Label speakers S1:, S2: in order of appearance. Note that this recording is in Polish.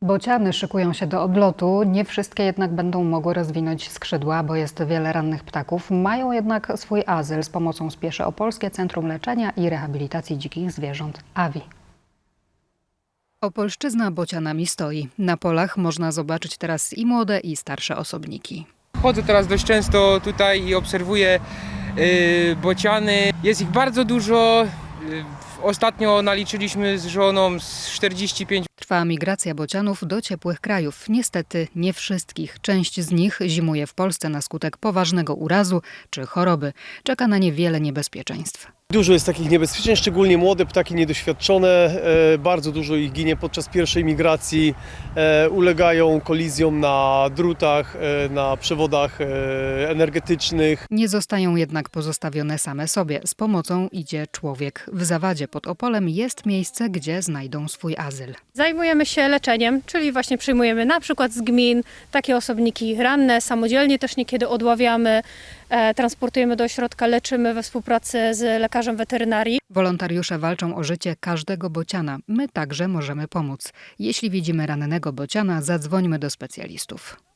S1: Bociany szykują się do odlotu, nie wszystkie jednak będą mogły rozwinąć skrzydła, bo jest wiele rannych ptaków. Mają jednak swój azyl. Z pomocą spieszy Opolskie Centrum Leczenia i Rehabilitacji Dzikich Zwierząt AWI. Opolszczyzna bocianami stoi. Na polach można zobaczyć teraz i młode, i starsze osobniki.
S2: Chodzę teraz dość często tutaj i obserwuję bociany. Jest ich bardzo dużo. Ostatnio naliczyliśmy z żoną z 45.
S1: Trwa migracja bocianów do ciepłych krajów. Niestety nie wszystkich. Część z nich zimuje w Polsce na skutek poważnego urazu czy choroby. Czeka na nie wiele niebezpieczeństw.
S3: Dużo jest takich niebezpieczeń, szczególnie młode ptaki niedoświadczone. Bardzo dużo ich ginie podczas pierwszej migracji. Ulegają kolizjom na drutach, na przewodach energetycznych.
S1: Nie zostają jednak pozostawione same sobie. Z pomocą idzie człowiek. W Zawadzie pod Opolem jest miejsce, gdzie znajdą swój azyl.
S4: Zajmujemy się leczeniem, czyli właśnie przyjmujemy na przykład z gmin takie osobniki ranne, samodzielnie też niekiedy odławiamy, transportujemy do ośrodka, leczymy we współpracy z lekarzem weterynarii.
S1: Wolontariusze walczą o życie każdego bociana. My także możemy pomóc. Jeśli widzimy rannego bociana, zadzwońmy do specjalistów.